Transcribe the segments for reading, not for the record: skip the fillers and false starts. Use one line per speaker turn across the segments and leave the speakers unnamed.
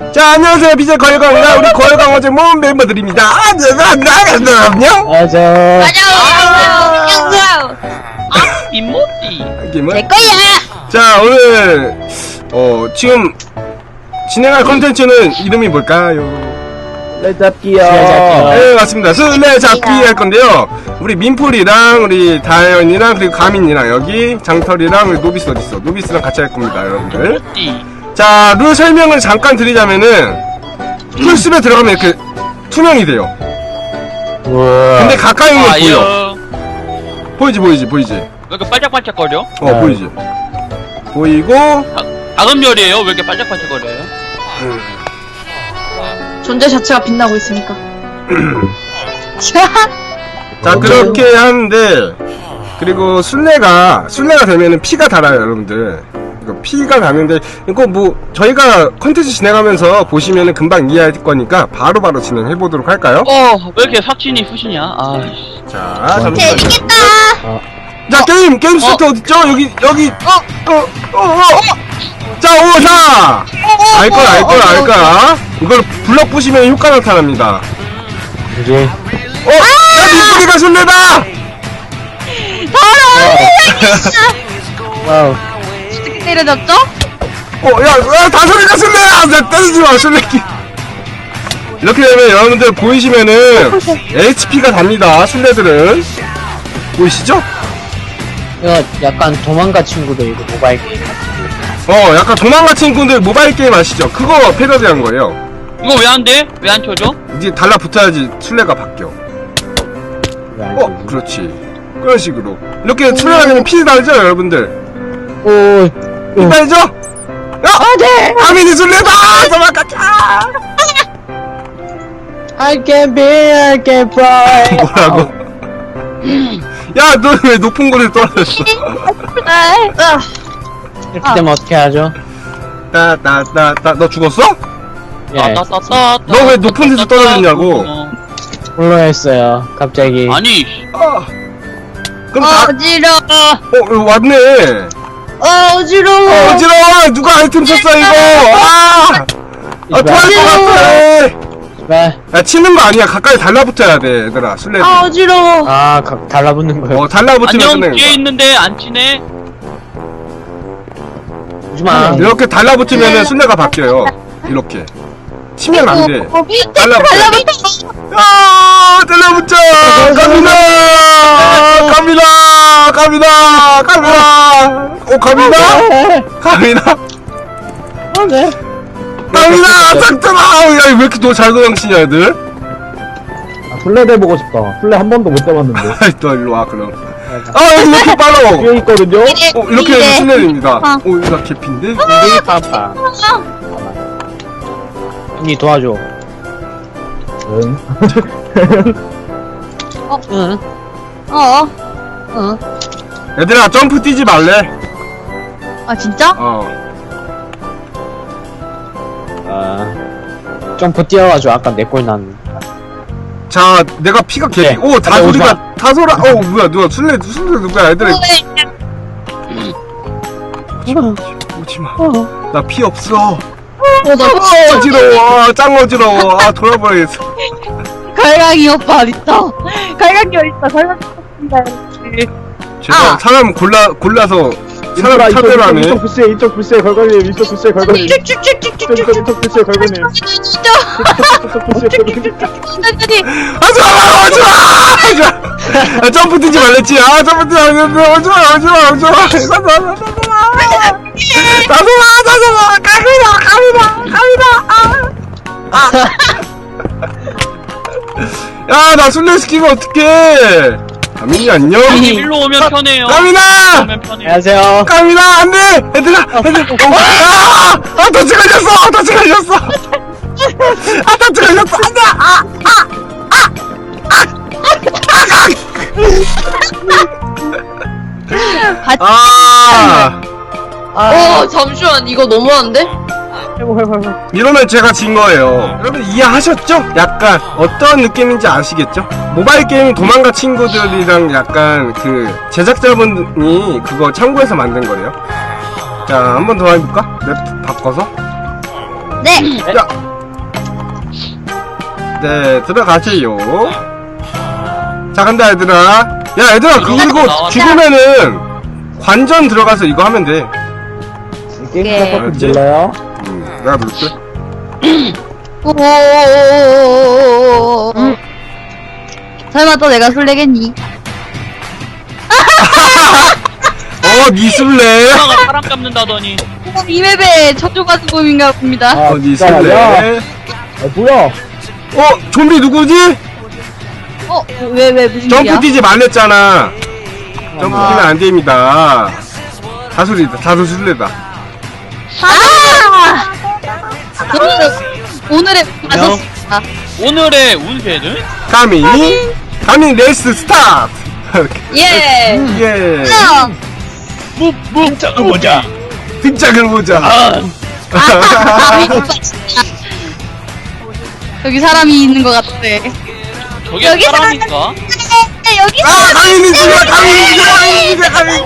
자, 안녕하세요. BJ 거열강입니다. 우리 거열강 어제 모은 멤버들입니다. 안녕.
안녕하세요.
김모찌.
내 거야.
자, 오늘 지금 진행할 컨텐츠는 이름이 뭘까요?
술래잡기요.
네, 맞습니다. 술래잡기 할 건데요. 우리 민풀이랑 우리 다현이랑 그리고 가민이랑 여기 장털이랑 우리 노비스 어딨어? 노비스랑 같이 할 겁니다, 여러분들. 자, 룰 설명을 잠깐 드리자면은 풀숲에 들어가면 이렇게 투명이 돼요.
우와.
근데 가까이 오면 보여. 보이지?
왜 이렇게 반짝반짝거려?
보이지? 보이고
작은 별이에요? 왜 이렇게 반짝반짝거려요?
존재 자체가 빛나고 있으니까.
자, 그렇게 하는데 그리고 술래가 되면은 피가 달아요, 여러분들. 이거 피가 나는데 이거 뭐 저희가 컨텐츠 진행하면서 보시면은 금방 이해할 거니까 바로바로 진행해보도록 할까요?
왜 이렇게 삭신이 푸시냐? 아이씨.
자, 잠시만요.
재밌겠다.
자, 게임 스타트 어딨죠? 여기 자, 오사 알거야. 이걸 블럭 부시면 효과 나타납니다.
뭐지?
야, 민프리가 술래다!
와우.
어떻게 때려잡죠?
야, 다솔이가 술래야! 나 때리지 마, 술래끼. 이렇게 되면 여러분들 보이시면은 HP가 답니다, 술래들은. 보이시죠?
이거 약간 도망가 친구들 이거 모바일 게임 같은
약간 도망가 친구들 모바일 게임 아시죠? 그거 패러디한 거예요.
이거 왜 안 돼? 왜 안 쳐줘?
이제 달라붙어야지 술래가 바뀌어. 그렇지. 그런 식으로. 이렇게 술래가 되면 피 달죠, 여러분들? 피 달죠? 네! 아민이 술래다! 도망가자!
I can fly.
뭐라고? 야, 너 왜 높은 곳에 떨어졌어?
이렇게 되면 어떻게 하죠?
너 죽었어?
예.
너 왜 높은 데서 떨어졌냐고?
홀로 했어요. 갑자기.
아니.
그럼
어지러워.
왔네.
어지러워.
어지러워. 누가 아이템 썼어, 이거? 토할 것 같아.
네.
야, 치는 거 아니야. 가까이 달라붙어야 돼, 얘들아. 술래들.
어지러워.
달라붙는 거요.
달라붙으면
안녕,
끝내는
뒤에
거야.
있는데 안 치네?
오지마.
이렇게 달라붙으면은 술래가 바뀌어요. 이렇게. 치면 안 돼. 달라붙어. 달라붙자! 가미나!
네.
가미나! 작잖아! 야, 왜 이렇게 너 잘 도망치냐, 애들?
술래대 보고 싶다. 술래 한 번도 못 잡았는데.
아이, 너 일로 와, 그럼. 이렇게 빨라!
뒤에 있거든요?
이렇게 되면 술래입니다. 이거 개핀데?
파파. 언니 도와줘.
응.
응.
얘들아, 점프 뛰지 말래.
아 진짜?
점프 뛰어가지고 아까 내 꼴 난.
자, 내가 피가
네.
다솔아, 뭐야, 누가 술래 누구야, 얘들아. 오지마. 나 피 없어. 어지러워. 짱 어지러워. 돌아버리겠어.
갈강이 오빠 어딨어? 갈강이 어딨어? 갈강이 어딨어?
제가 사람 골라서 사람 차별로 하네.
이쪽 부시에 걸거님. 이쪽 부시에 걸거님. 이쪽 부시에 걸거님.
하지마! 점프 뛰지 말랬지. 점프 뛰지 말랬지. 오지마. 야, 나 술래 시키면 어떡해. 가민이 안녕.
일로 오면 편해요.
가민아!
오면 편해요.
안녕하세요.
가민아, 안 돼! 얘들아! 터치 걸렸어! 안 돼!
잠시만 이거 너무한데?
이러면 제가 진 거예요. 여러분 이해하셨죠? 약간 어떤 느낌인지 아시겠죠? 모바일 게임 도망가 친구들이랑 약간 그 제작자분이 그거 참고해서 만든 거래요. 자, 한 번 더 해볼까? 맵 바꿔서.
네.
야. 네, 들어가세요. 자, 간다, 얘들아. 야, 얘들아, 그리고 죽으면은 관전 들어가서 이거 하면 돼.
게임
예.
시작부터 몰라요?
내가 누를게.
오. 설마 또 내가 술래겠니?
니 술래.
누나가 사람 잡는다더니.
이맵의 초조가 수범인가 봅니다.
니
진짜,
술래.
야. 뭐야?
좀비 누구지?
왜 무슨
점프
일이야?
뛰지 말랬잖아. 점프 뛰면 안 됩니다. 다술이다, 다술 술래다.
오늘의 마셨습니다.
오늘의 운세는?
가민 레이스 스타트!
예.
예.
등장을 보자.
등짝을 보자.
여기 사람이 있는 것 같아.
저게
여기
사람인가?
여기
가민이 죽여, 가민이 죽여.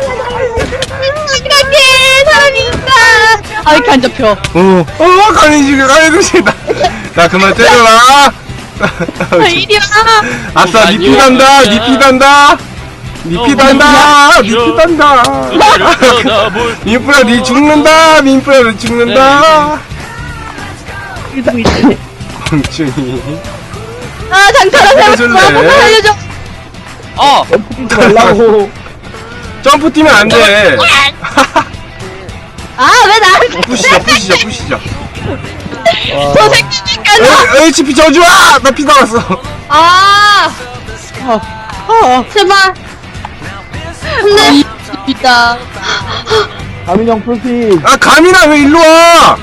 이렇게 사람이 있다. 아, 이렇게 안 잡혀.
가민이 죽여. 나 그만 때려라.
이리 와.
아싸, 니피 단다, 니피 단다. 니피 단다, 니피 단다. 민프라, 니 죽는다, 민프라, 니 죽는다. 멍충이.
장타라
해줄래?
세웠어. 살려줘.
뛰지 말라고.
점프 뛰면 안 돼.
왜 나한테
부시죠.
저 새끼니까.
HP 저주야! 나 피 나왔어.
제발. 근데 있다.
가민형 풀피.
가민아, 왜 일로 와?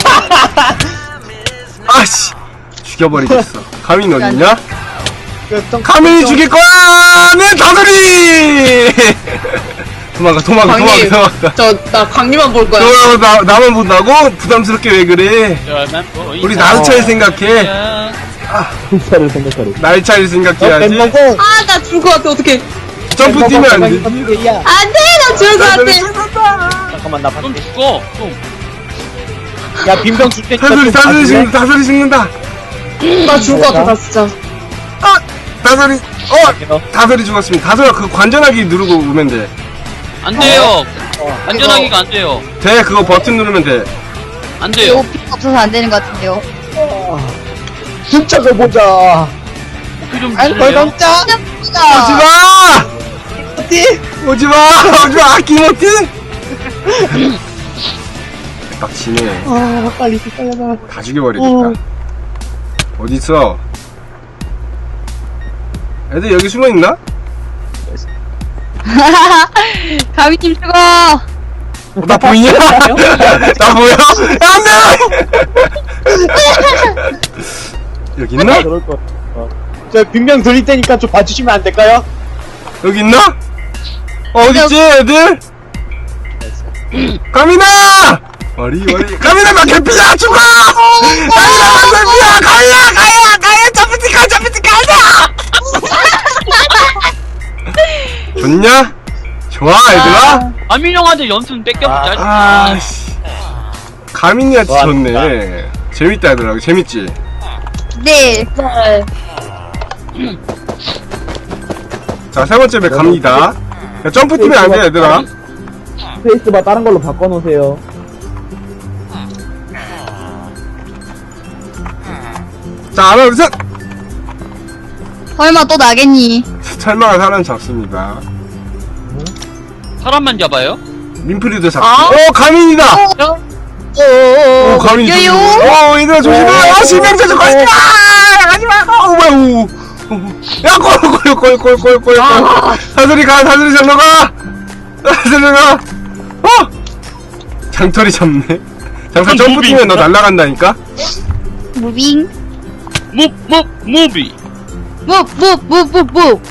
아씨. 죽여버리겠어. 가민 어딨냐? 가민이 죽일 거야! 내 다솔이! 도망가.
나 광님만 볼 거야.
나만 본다고? 부담스럽게 왜 그래? 우리 나도 차일 생각해.
진짜를 생각하래.
날 차일 생각해야지.
나 죽을 것 같아, 어떡해.
점프 뛰면 안 돼.
안 돼, 나 죽을 것 같아.
잠깐만, 나
좀 죽어. 좀.
야, 빈병 줄 때.
다솔이 죽는다.
나 죽을 것 같아, 나 진짜.
다솔이 죽었습니다. 다솔아, 그 관전하기 누르고 오면 돼.
안 돼요. 안전하기가 안 돼요.
돼, 그거 버튼 누르면 돼.
안 돼요.
이거 피가 없어서 안 되는 것 같은데요.
진짜 그 보자.
그 좀 주실래요?
오지마! 김어띠! 빡치네.
빨리 빨리.
다 죽여버리겠다. 어딨어? 애들 여기 숨어있나?
가미팀 죽어.
나 보이냐? 나 보여? 안 돼! 여기 있나?
그럴 거. 저 빈병 돌릴 테니까 좀 봐주시면 안 될까요?
여기 있나? 어딨지, 애들? 가민아! 머리. 가민아, 나 개피야! 죽어! 가민아, 나 개피야! 가야! 점프티 가자! 좋냐? 좋아, 얘들아?
아민 형한테 연습 뺏겨보자.
아씨. 가민이한테 좋네. 재밌다, 얘들아. 재밌지?
네.
자, 세 번째 맵 갑니다. 야, 점프 뛰면 안 돼, 얘들아.
스페이스바 다른 걸로 바꿔놓으세요.
자, 하나, 둘, 셋!
설마 또 나겠니?
설마가 사람 잡습니다.
사람만 잡아요?
민프리도 잡고. 가민이다! 가민이
여요.
얘들아, 조심해! 실명자 좀 가지마! 가지마! 뭐야, 야, 꼴. 사슬이 절로 가! 사슬이 가! 장털이 잡네. 잠깐 점프 뛰면 너 날아간다니까?
무빙.
무비.
무.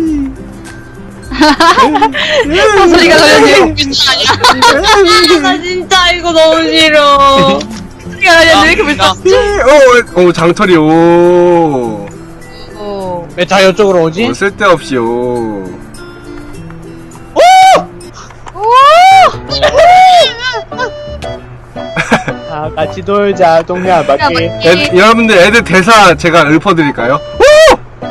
소리가 걸렸네. 나 진짜 이거 너무 싫어. 소리가 걸렸네. 왜 이렇게 불쌍해?
장털이,
왜 다 이쪽으로 오지?
쓸데없이,
아, 같이 놀자, 동네 한 바퀴.
여러분들 애들 대사 제가 읊어드릴까요? 오! 오!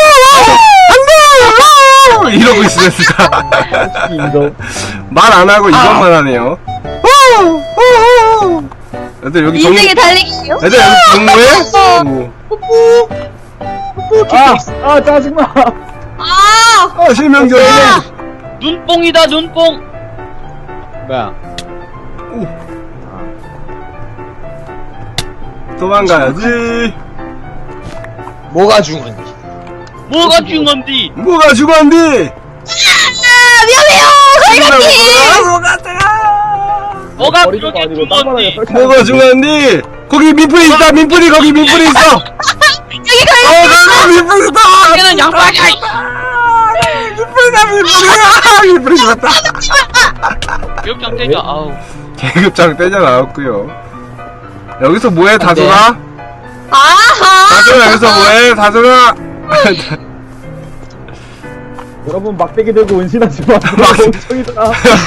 안 돼! 이러고 있어요, 진짜.
이거.
말 안 하고 이것만 하네요. 오! 오! 애들 여기
인생의 달리기요?
애들 여기 정모해?
아, 짜증나.
아!
실명적이네.
눈뽕이다, 눈뽕.
뭐야?
도망가야지.
뭐가 중요한지.
뭐가 중요한디?
뭐가 죽었니?
위험해요! 갈갈기!
뭐가
머리가
그렇게
아니고 딴 바닥에
중요한디?
설치하는
뭐가 죽었니? 거기 민풀이 있다. 민풀이 거기 민풀이 있어.
여기 갈갈기!
민풀이 있다.
걔는 양반이야.
민풀이 죽었다.
기억장 떼자. 아우.
계급장 떼져 나왔고요. 여기서 뭐해 다솔아?
아하!
다솔아 여기서 뭐해 다솔아?
여러분, 막대기 들고 은신하지 마. 멍청이들아.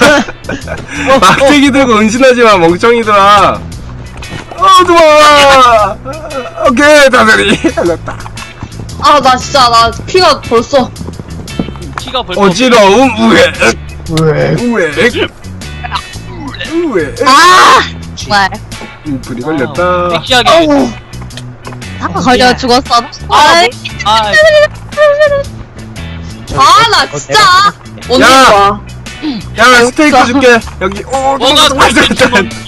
막대기 들고 은신하지마 멍청이들아. 도망가. 오케이 다솔이 살렸다.
아, 나 진짜, 나 피가 벌써.
키가 벌써.
어지러움 우에
왜?
우에 우에
아! 정말.
불이 걸렸다.
섹시하게.
어우. 다 걸려 죽었어.
아,
나 진짜. 언제
야!
와?
야 스테이크 줄게 여기.
뭐가 그렇게 중요한디?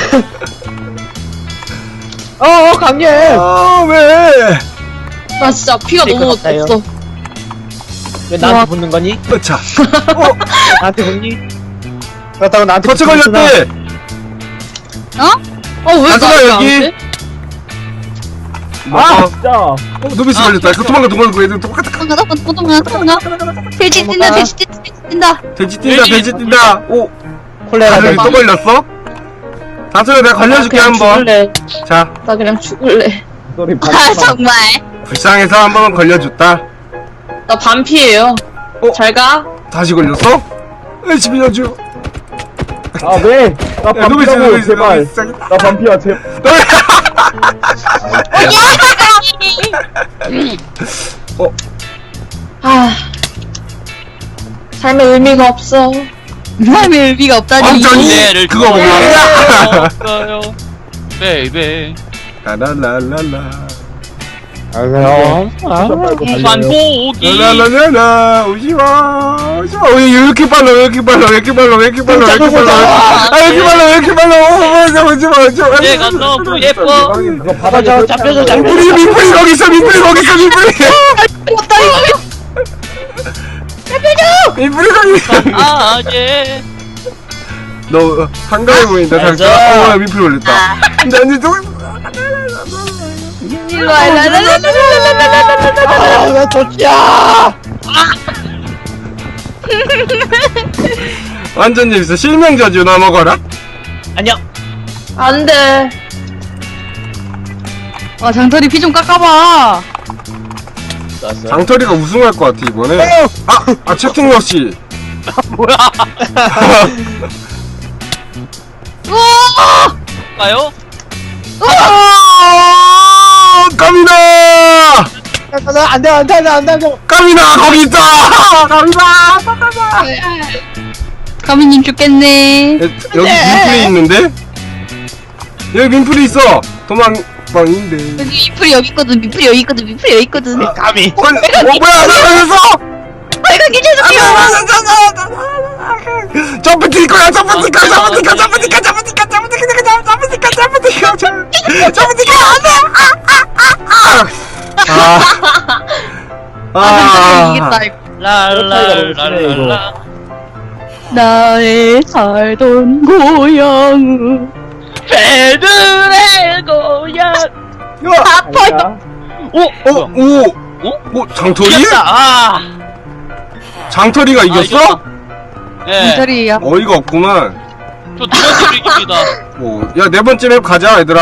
강렬!
왜?
나 진짜 피가
스테이크
너무
같아요.
없어.
왜 나한테 붙는 거니?
자
나한테 붙니? 그렇다고 나한테
터치
붙는구나.
걸렸대.
왜
다솔아
나한테 안
여기.
돼?
아, 진짜.
노비스 걸렸다. 그 도망가 애들 똑같아.
도망가. 돼지 뛴다, 돼지 뛴다.
돼지 뛴다. 오
콜레라
다솔이
될
또 걸렸어? 다솔아 내가 걸려줄게 한번.
죽을래.
자
나 그냥 죽을래.
소리
아, 정말.
불쌍해서 한 번만 걸려줬다.
나 반피예요. 잘 가.
다시 걸렸어? 열심히 해줘.
아, 왜? 나 반피라고, 제발.
노비스
나 반피야, 제발.
아. 삶의 의미가 없어. 삶의 의미가 없다니.
완전히
내를
그거 몰라.
없어요. 베이베.
라라라라라
그럼.
산고기.
라라라라 오지마 왜 이렇게 빨라 왜 이렇게 빨라 오지마
내가 너무 예뻐.
그거 바닥에
잡혀줘.
우리 민플이 거기 있어 민플이 거기 있어 민플이 거기 있어
아재.
너 한가해 보인다 잠깐 민플이 올렸다 난이 또
일로와,
왜 도치야!
완전 재밌어 실명저주 나 먹어라
안녕.
안 돼.
아, 장터리 피 좀 깎아봐.
장터리가 우승할 것 같아 이번에 채팅러시
뭐야? 가요?
까미나
안 돼.
까미나 거기 있다 까미나
가미님 죽겠네.
여기 민플이 있는데? 여기 민플이 있어 도망방인데
여기 미풀이 여기 있거든. 미풀이 여기 있거든.
감히.
뭐야 나 걸렸어
빨갛게 죄송해요.
점프 뛸 거야 점프 뛸 거야
장터리 이겼다. 이거.
랄랄랄랄라.
나의 살던 고향.
배들의 고향.
아파요.
오 장터리?
이겼다.
장터리가 이겼어?
예.
장터리야.
어이가 없구만
저 두 번째로 이깁니다.
야 네 번째 맵 가자 얘들아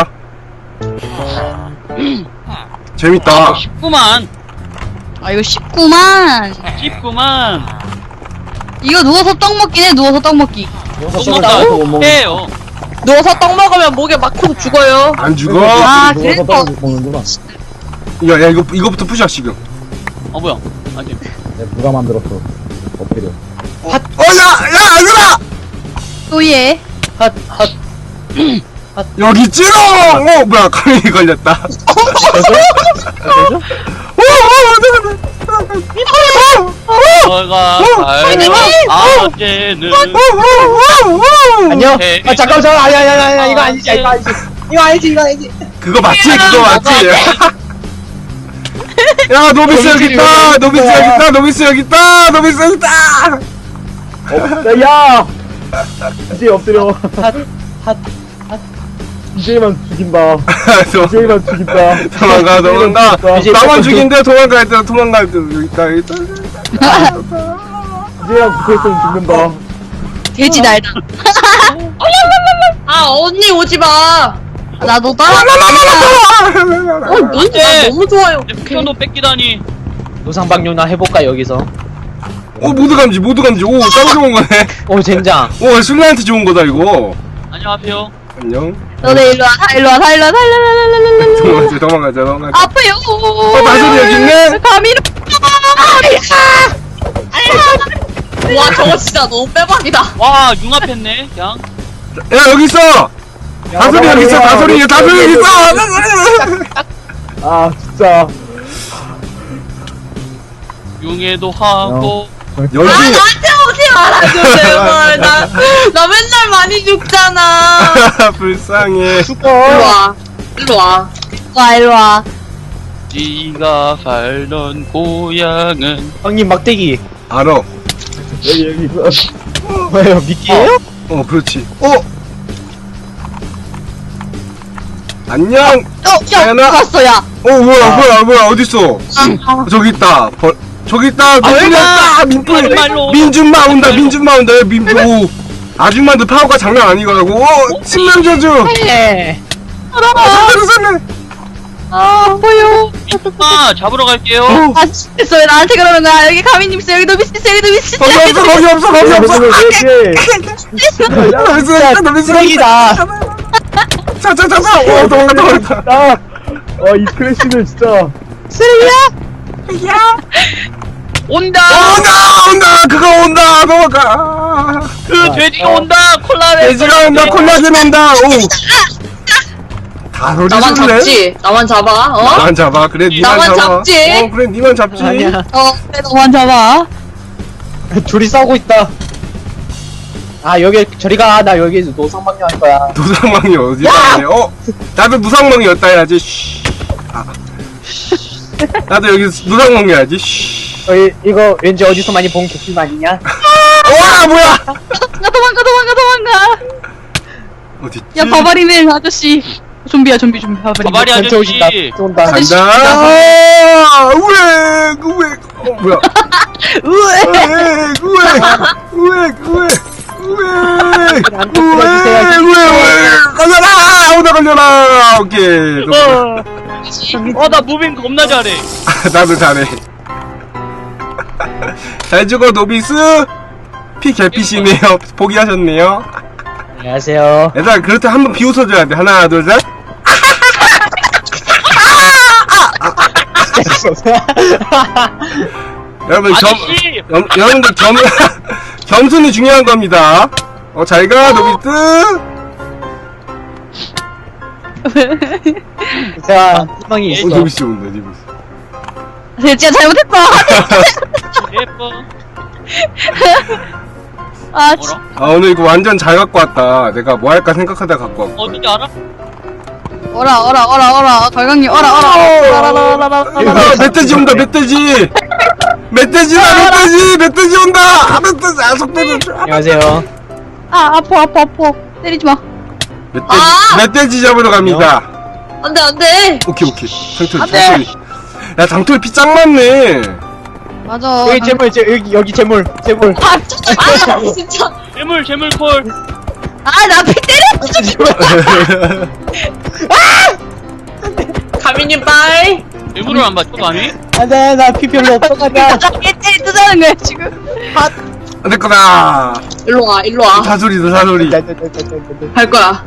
재밌다
19만.
아, 이거 쉽구만.
19만.
이거 누워서 떡 먹긴 해. 누워서 떡 먹기.
똥 먹다 해요.
누워서 떡 먹으면 목에 막혀서 죽어요.
안 죽어.
아,
누워서
그래서.
떨어져 먹는구나.
야, 이거부터 푸시야, 지금.
뭐야? 아니.
누가 만들었어? 엎드려.
야, 얘들아!
또 얘.
핫
여기 찌롱! 뭐야, 카메이 걸렸다.
너가 살던 아재는
안녕.
네.
잠깐만 아니야 이거 아니지 이거 아니지.
그거 맞지? 그거 맞지? 야, 노비스 여기 있다! 노비스 여기 있다! 노비스 여기 있다! 노비스 여기 있다!
야! 이제 엎드려. 이제만 죽인다. 이제만 죽인다.
도망가, 도망가.
이제
나만 죽인데 도망갈 때, 도망갈 때, 여기 있다, 여기 있다.
이제랑 붙어있으면 죽는다.
돼지 날다.
아, 언니 오지 마.
나도 따라.
언니 나 너무 좋아요.
표도 뺏기다니.
노상방뇨나 해볼까 여기서.
모두 감지. 오, 짱 좋은 거네.
오 젠장.
오, 술래한테 좋은 거다, 이거.
안녕하세요.
안녕.
너네 일로 와. 다 일로 와.
도망가자.
아파요.
마술이 여기 있네?
가미로.
와, 저거 진짜 너무 빼박이다.
와, 융합했네. 그냥.
야, 여기 있어! 다솔이 여기 있어, 다솔이 여기 있어!
아, 진짜.
융해도 하고.
여기,
나한테 오지 말아줘, 제발. 나 맨날 많이 죽잖아.
불쌍해.
일로 와.
일로 와.
네가 살던 고향은
형님 막대기.
알아.
여기 있어.
왜요 미끼예요?
그렇지. 안녕!
야,
자연아.
갔어, 야.
뭐야, 어딨어? 저기 있다. 저기 있다. 민준마
말로.
민준마 온다. 오, 아줌마들 파워가 장난 아니더라고. 신명 저주.
네.
살네.
아파요.
민준마 잡으러 갈게요.
아, 진짜 왜 나한테 그러는 거야? 여기 가미님 있어. 여기 노비스 있어.
거기 없어.
쓰레기다.
자. 도망가.
이 크래쉬는 진짜.
온다.
그거 온다. 도망가.
그 돼지가 온다. 콜라를.
돼지가 온다. 콜라겐 온다. 오. 다 소리
나만
줄래?
잡지. 나만 잡아.
나만 잡아. 그래, 니만
나만
잡아.
잡지.
그래, 니만 잡지.
아니야.
그래, 너만 잡아.
둘이 싸우고 있다. 아 여기 저리 가. 나 여기 노상방뇨 할 거야.
노상망이 어디다 하네? 나도 노상망이었다 해야지. 쉬. 나도 여기 노상망이 해야지. 쉬.
이거 왠지 어디서 많이 본劇아니냐?
와, 뭐야?
도망가.
어딨지?
야, 바바리네 아저씨. 좀비야, 좀비. 바바리.
바바리
전체 오신다.
아저씨.
온다.
간다. 우엑. 뭐야? 걸려라. 오케이.
나 무빙 겁나 잘해.
나도 잘해. 잘 죽어, 노비스. 피 개피시네요. 포기하셨네요.
안녕하세요.
얘들아, 그렇다 한번 비웃어줘야 돼. 하나, 둘, 셋. 여러분,
아저씨.
여러분들 겸손이 중요한 겁니다. 잘 가, 노비스.
자, 희망이 있어.
노비스 온다, 노비스.
진짜 잘못했다.
예뻐.
아,
뭐라?
오늘 이거 완전 잘 갖고 왔다. 내가 뭐 할까 생각하다 갖고 왔고.
어딘지 알아?
어라. 걸강님, 어라.
멧돼지 온다, 멧돼지! 멧돼지 온다! 멧돼지, 속도는.
안녕하세요.
아, 아파. 때리지 마.
멧돼지 잡으러 갑니다.
안 돼.
오케이. 장토리. 야, 장토리 피 짱 많네.
맞아.
여기 재물, 여기 재물.
아, 진짜.
재물 콜.
나 피 때려!
가미님 빠이.
재물을 안 받쳐, 아니?
안돼, 나 피 별로 없어, 가자.
나 피 때리 뜨자는 거야, 지금.
내 거다.
일로 와, 일로 와.
사소리다, 사소리.
갈 거야.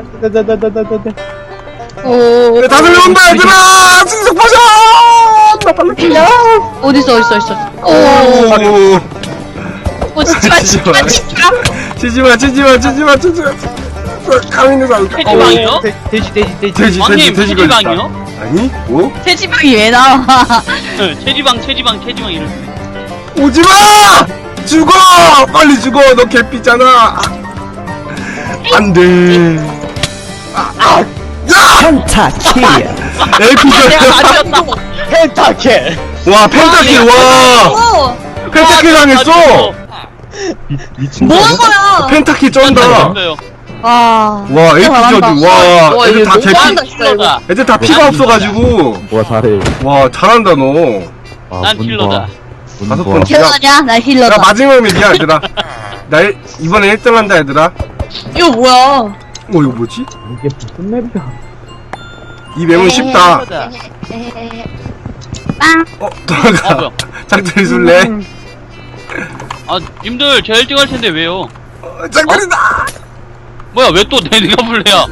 오.
다소리 온다, 얘들아! 신속 버전! 나 빨리 풀려!
어딨어. 오.
오.
치지마.
치지마. 가민이 상.
체지방이요?
돼지
왕님,
걸렸다.
체지방이요?
아니? 뭐?
체지방이 왜 나와?
네, 체지방 이럴 때.
오지마! 죽어! 빨리 죽어! 너 개피잖아! 안 돼.
펜타킬.
에피소드.
아니었다.
펜타킬.
와, 펜타킬, 와! 펜타킬 당했어!
뭐 한 거야?
펜타킬 쩐다!
잘했어요.
와.
와, 에피소드, 와, 애들 다 개피.
잘한다, 진짜 이거.
애들 다 피가 없어가지고.
와 잘해.
와, 잘한다, 너.
아,
난 킬러다.
다섯 번 킬.
힐러냐? 나
나
힐러다.
마지막이야, 얘들아. 이번에 1등 한다, 얘들아.
이거 뭐야?
이거 뭐지?
이게 무슨 맵이야?
이 맵은 쉽다.
빵.
돌아가.
뭐야?
장터리 술래?
아, 님들 저 1등 할 텐데 왜요?
장터리다!
뭐야, 왜 또 내가 불래야?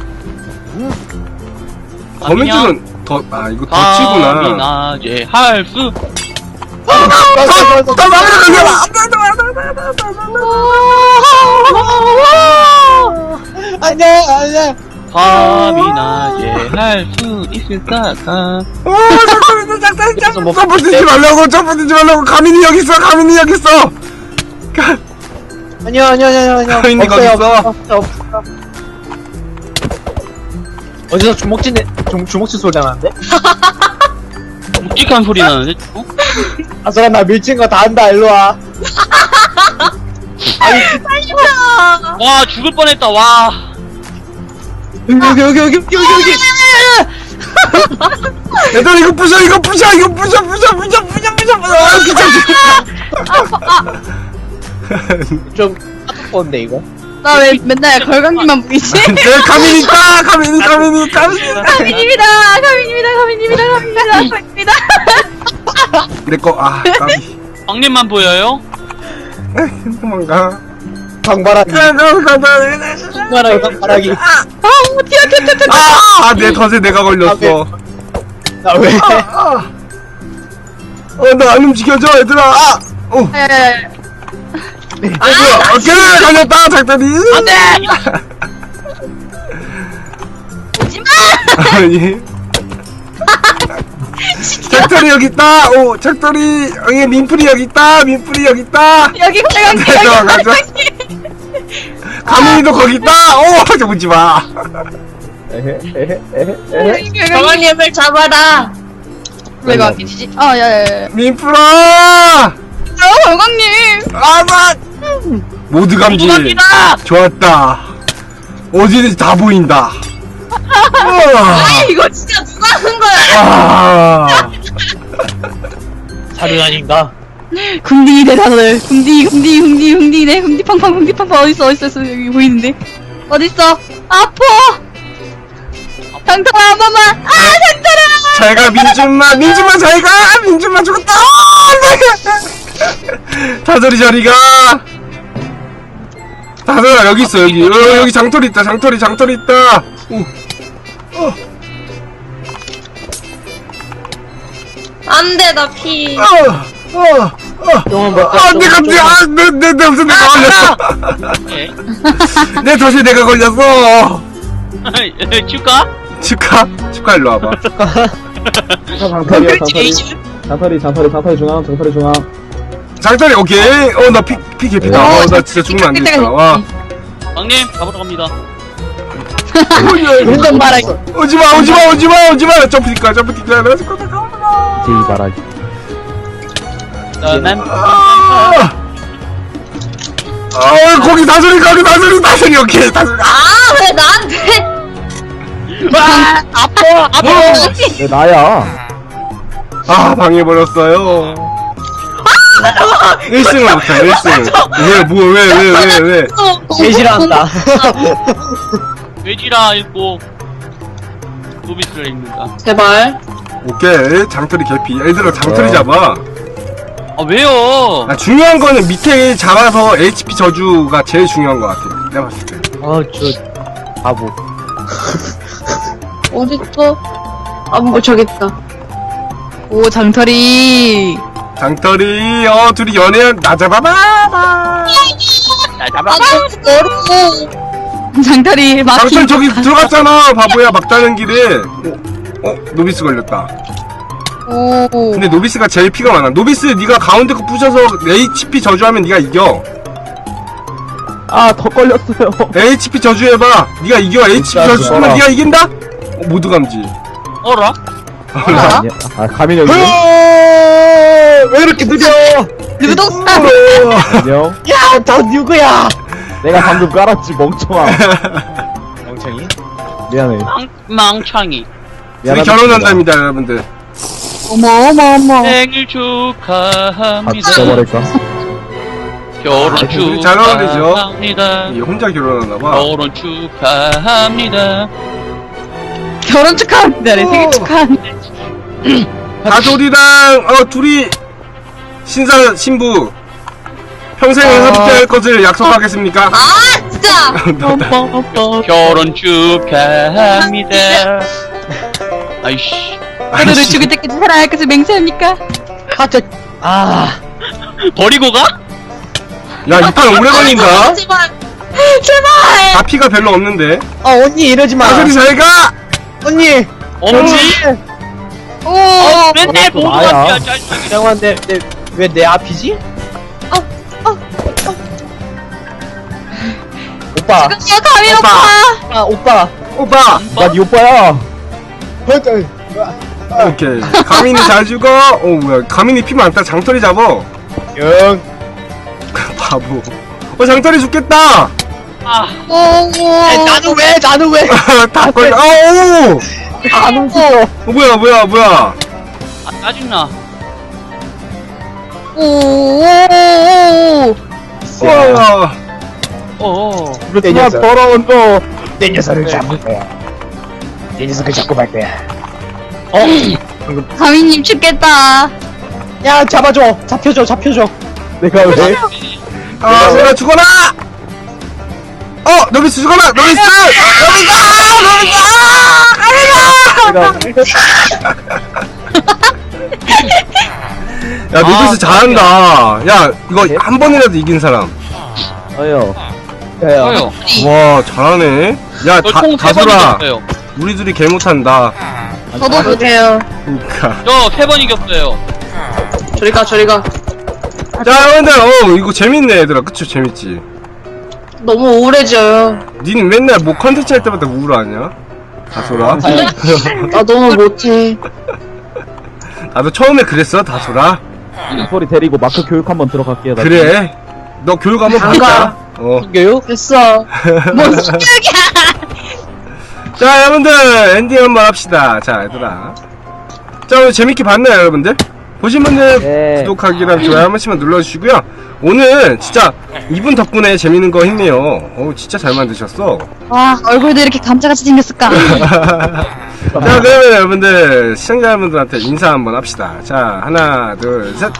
거미줄은 이거 덧치구나.
가미나제 할 수.
더 나가라!
아니야.
가미나제 할 수 있을까?
점프 뛰지 말라고, 가민이 여기 있어!
아니야.
가민이 거기 있어.
없어. 어디서 주먹질 소리 나는데?
묵직한 소리 나는데? 어?
아서라 나 밀친 거 다 한다. 일로 와.
와, 죽을 뻔했다, 와.
여기.
얘들아, 이거 부셔!
좀 아프건데 이거.
나 왜 맨날 걸강님만 보이지?
내 가민이 있다! 가민이!
가민님이다.
내꺼, 까비.
왕님만 보여요?
도망가.
방바라기. 방바라기.
내 덫에 내가 걸렸어.
나 왜?
나 안 움직여져, 얘들아! 오케이! 걸렸다, 작다리!
안 돼!
아니. 작다리 여기 있다! 작다리! 민풀이 여기 있다!
여기 걸강님.
가자. 가민이도 거기 있다! 저 오지 마!
정원님을 잡아라.
왜 걸강님이지? 야야야.
민풀아!
걸강님.
모두 감지.
누구갑니다!
좋았다. 어디든지 다 보인다.
이거 진짜 누가 한 거야?
사륜 아닌가?
궁디네 다들. 궁디네. 궁디팡팡 어딨어 여기 보이는데. 어딨어? 아파. 장터라 한 번만. 장터라.
잘가 민준마 잘가. 민준마 죽었다. 다솔이 저리가. 다솔아 여기 있어 여기. 여기 장터리 있다. 장터리 있다.
안 돼, 나 피.
내 덫에 내가 걸렸어. 내 덫에 내가 걸렸어.
큐까?
축하 일로 와봐.
장터리 중앙.
장터리 오케이. 나 피 개피다. 나 진짜 죽으면 안 되겠다. 와.
왕님, 잡으러 갑니다.
운전 말하기.
오지마. 점프 뛸 거야.
제이 바라기.
난,
거기 다솔이 오케이. 다솔이.
왜 나한테?
아파!
왜 나야?
방해버렸어요. 1승을 못해, 1승. 왜?
제일 싫어한다.
외지라 읽고, 노비스를 읽는다.
제발.
오케이, 장터리 개피. 얘들아, 장터리 잡아.
아, 왜요?
아, 중요한 거는 밑에 잡아서 HP 저주가 제일 중요한 것 같아. 내가 봤을 때.
저 바보.
어딨어? 뭐 저기 있다.
오, 장털이.
장터리, 둘이 연애한, 나 잡아봐!
아, 너무
장털이 막힌.
장터리 저기 들어갔잖아, 바보야, 막다른 길에. 노비스 걸렸다.
오.
근데 노비스가 제일 피가 많아. 노비스, 네가 가운데 거 부셔서 HP 저주하면 네가 이겨.
아, 더 걸렸어요.
HP 저주해봐. 네가 이겨. HP 저주 쓰면 네가 이긴다? 모두 감지.
어라?
아니야. 아, 가민이 여기.
왜 이렇게 느려?
누동산.
안녕.
야, 너 누구야?
내가 방금 깔았지, 멍청아.
멍청이.
미안해.
망창이.
둘이
미안하다.
결혼한답니다, 여러분들.
어머.
생일
다
축하합니다.
죽여버릴까?
결혼
둘이 잘 어울리죠?
축하합니다.
얘 혼자 결혼하나봐.
결혼 축하합니다.
결혼 축하합니다. 네, 생일 축하합니다.
가돌이랑, 둘이, 신부, 평생 함께할 것을 약속하겠습니까?
진짜.
결혼 축하합니다. 아이씨.
너를 죽을 때까지 살아야 할 것을 맹세합니까?
버리고 가?
야, 이 판 오래 걸린다?
제발.
다 피가 별로 없는데.
언니 이러지 마.
가돌이 잘 가!
언니.
언니?
오.
맨날
그것도
보고
나야.
왔야 짜증나게.
잠깐만, 왜 내 앞이지? 오빠.
야, 가민 오빠.
오빠.
오빠!
나 네 오빠야.
오케이. 가민이 잘 죽어. 뭐야. 가민이 피 많다. 장터리 잡어.
영.
바보. 장터리 죽겠다!
오.
나는 왜?
다 걸려. 오!
안 움직여.
뭐야.
아, 짜증나.
오.
우와.
어어.
내
야,
녀석.
더러운 거.
내 녀석을 잡을 거야. 내 녀석을 잡고 말 거야.
가민님 죽겠다.
야, 잡아줘. 잡혀줘.
내가 왜?
내가 죽어라! 노비스 죽어라! 노비스! 야, 노비스 잘한다. 야, 이거 한 번이라도 이긴 사람.
어여.
저요.
와, 잘하네. 야,
저총 3번
다솔아.
이겼어요.
우리 둘이 개 못한다.
저도 못해요.
그니까.
저 3번 이겼어요.
저리 가.
자, 여러분들, 이거 재밌네, 얘들아. 그쵸? 재밌지?
너무 우울해져요.
니는 맨날 뭐 컨텐츠 할 때마다 우울하냐? 다솔아?
나 너무 못해.
나도 처음에 그랬어, 다솔아.
소리 데리고 마크 교육 한번 들어갈게요. 나
그래. 너 교육 한번
안
받자.
가.
교육?
됐어.
뭔 신기하게.
자, 여러분들, 엔딩 한번 합시다. 자, 얘들아. 자, 오늘 재밌게 봤나요, 여러분들? 보신 분들,
네.
구독하기랑 좋아요 한 번씩만 눌러주시고요. 오늘 진짜 이분 덕분에 재밌는 거 했네요. 진짜 잘 만드셨어.
와, 얼굴도 이렇게 감자같이 생겼을까?
자, 그러면 여러분들, 시청자 여러분들한테 인사 한번 합시다. 자, 하나, 둘, 셋.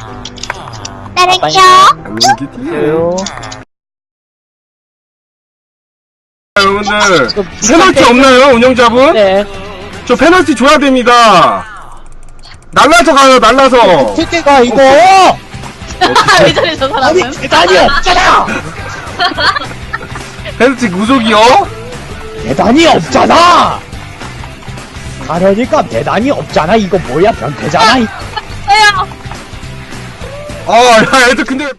안녕히 계세요. 여러분들, 페널티 없나요, 운영자분?
네.
저 페널티 줘야 됩니다. 날라서 가요, 날라서.
새끼가 이거.
왜 저래, 저 사람은?
계단이 없잖아.
페널티 구속이요?
계단이 없잖아. 가려니까 계단이 없잖아. 이거 뭐야? 변태잖아.
왜요?
야, 애들 근데.